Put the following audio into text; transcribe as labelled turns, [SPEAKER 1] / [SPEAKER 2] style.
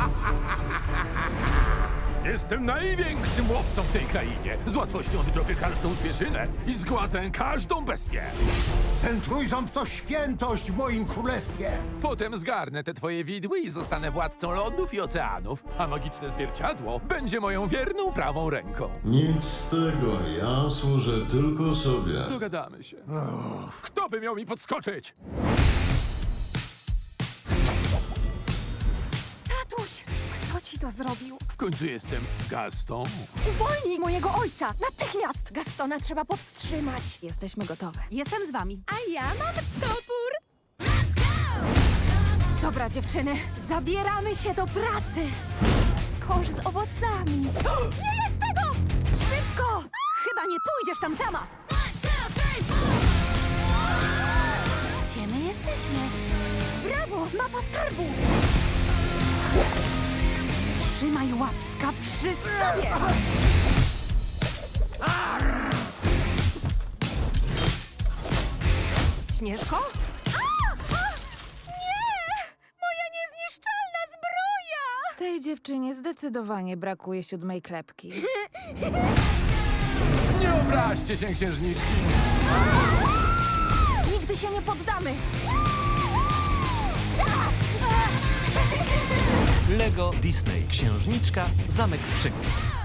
[SPEAKER 1] Jestem największym łowcą w tej krainie. Z łatwością wydrobię każdą zwierzynę i zgładzę każdą bestię.
[SPEAKER 2] Ten trójząb to świętość w moim królestwie.
[SPEAKER 1] Potem zgarnę te twoje widły i zostanę władcą lądów i oceanów, a magiczne zwierciadło będzie moją wierną prawą ręką.
[SPEAKER 3] Nic z tego, ja służę tylko sobie.
[SPEAKER 1] Dogadamy się. Kto by miał mi podskoczyć?
[SPEAKER 4] Tatuś, kto ci to zrobił?
[SPEAKER 1] W końcu jestem Gaston.
[SPEAKER 4] Uwolnij mojego ojca! Natychmiast! Gastona trzeba powstrzymać.
[SPEAKER 5] Jesteśmy gotowe.
[SPEAKER 4] Jestem z wami.
[SPEAKER 5] A ja mam topór.
[SPEAKER 4] Dobra, dziewczyny, zabieramy się do pracy. Kosz z owocami. Nie jedz tego! Szybko! Chyba nie pójdziesz tam sama. Gdzie my jesteśmy? Brawo, mapa skarbu! Trzymaj łapska przy sobie! Śnieżko? Moja niezniszczalna zbroja!
[SPEAKER 5] Tej dziewczynie zdecydowanie brakuje 7. klepki.
[SPEAKER 1] Nie obraźcie się, księżniczki.
[SPEAKER 4] Nigdy się nie poddamy!
[SPEAKER 6] Lego Disney Księżniczka Zamek Przygód.